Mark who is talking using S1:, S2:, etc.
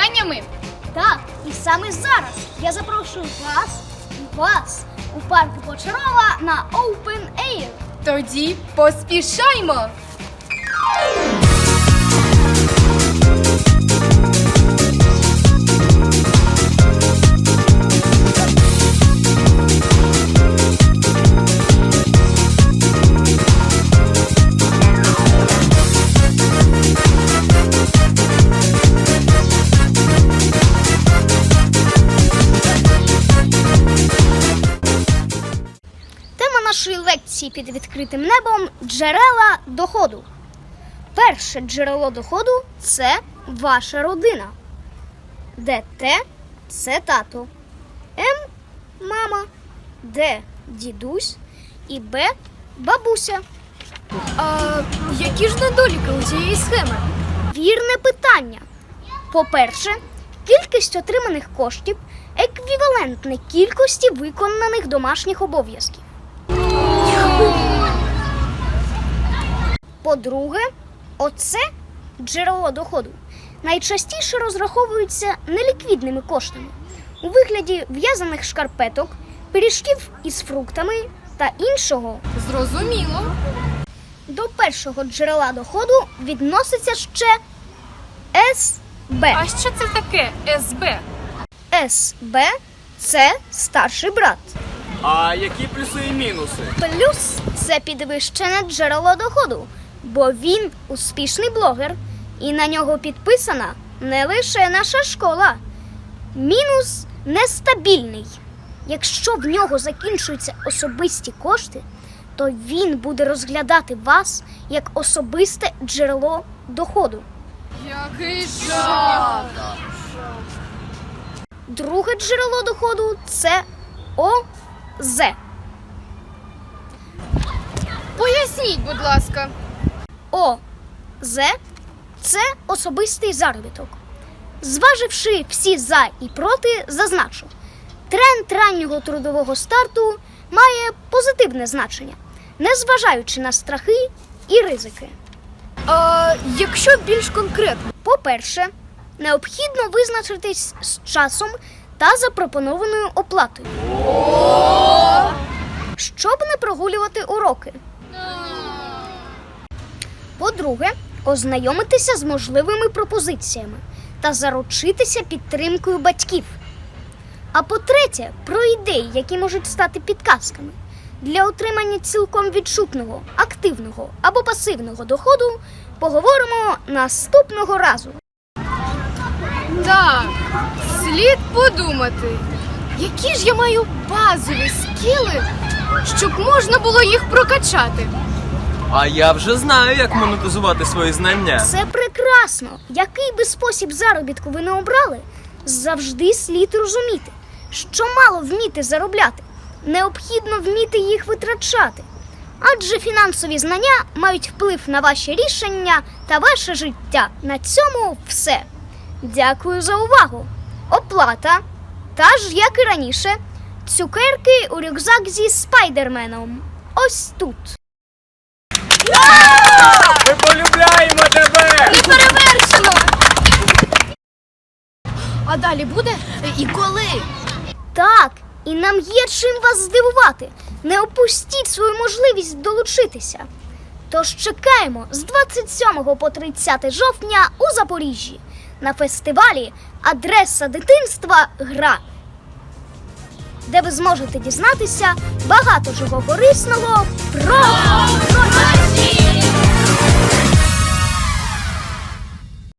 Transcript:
S1: знаннями?
S2: Так, і саме зараз я запрошую вас у парку Почарова на Open Air.
S1: Тоді поспішаймо!
S2: Тема нашої лекції під відкритим небом – джерела доходу. Перше джерело доходу – це ваша родина, де Т – це тато, М – мама, Д – дідусь і Б – бабуся.
S1: А які ж недоліки у цієї схеми?
S2: Вірне питання. По-перше, кількість отриманих коштів еквівалентна кількості виконаних домашніх обов'язків. По-друге, оце джерело доходу найчастіше розраховується неліквідними коштами у вигляді в'язаних шкарпеток, пиріжків із фруктами та іншого.
S1: Зрозуміло.
S2: До першого джерела доходу відноситься ще СБ.
S1: А що це таке СБ?
S2: СБ – це старший брат.
S3: А які плюси і мінуси?
S2: Плюс – це підвищене джерело доходу, бо він успішний блогер, і на нього підписана не лише наша школа. Мінус – нестабільний. Якщо в нього закінчуються особисті кошти, то він буде розглядати вас як особисте джерело доходу.
S1: Який жах!
S2: Друге джерело доходу – це ОЗ.
S1: Поясніть, будь ласка.
S2: ОЗ – це особистий заробіток. Зваживши всі за і проти, зазначу, тренд раннього трудового старту має позитивне значення, незважаючи на страхи і ризики.
S1: А якщо більш конкретно?
S2: По-перше, необхідно визначитись з часом та запропонованою оплатою, щоб не прогулювати уроки. По-друге, ознайомитися з можливими пропозиціями та заручитися підтримкою батьків. А по-третє, про ідеї, які можуть стати підказками. Для отримання цілком відчутного, активного або пасивного доходу поговоримо наступного разу.
S1: Так, слід подумати, які ж я маю базові скіли, щоб можна було їх прокачати.
S3: А я вже знаю, як монетизувати свої знання.
S2: Це прекрасно! Який би спосіб заробітку ви не обрали, завжди слід розуміти, що мало вміти заробляти, необхідно вміти їх витрачати. Адже фінансові знання мають вплив на ваші рішення та ваше життя. На цьому все. Дякую за увагу. Оплата. Та ж, як і раніше, цукерки у рюкзак зі спайдерменом. Ось тут.
S3: Ми полюбляємо тебе!
S2: Неперевершено!
S1: А далі буде? І коли?
S2: Так, і нам є чим вас здивувати. Не опустіть свою можливість долучитися. Тож чекаємо з 27 по 30 жовтня у Запоріжжі на фестивалі «Адреса дитинства. Гра», де ви зможете дізнатися багато чого корисного про...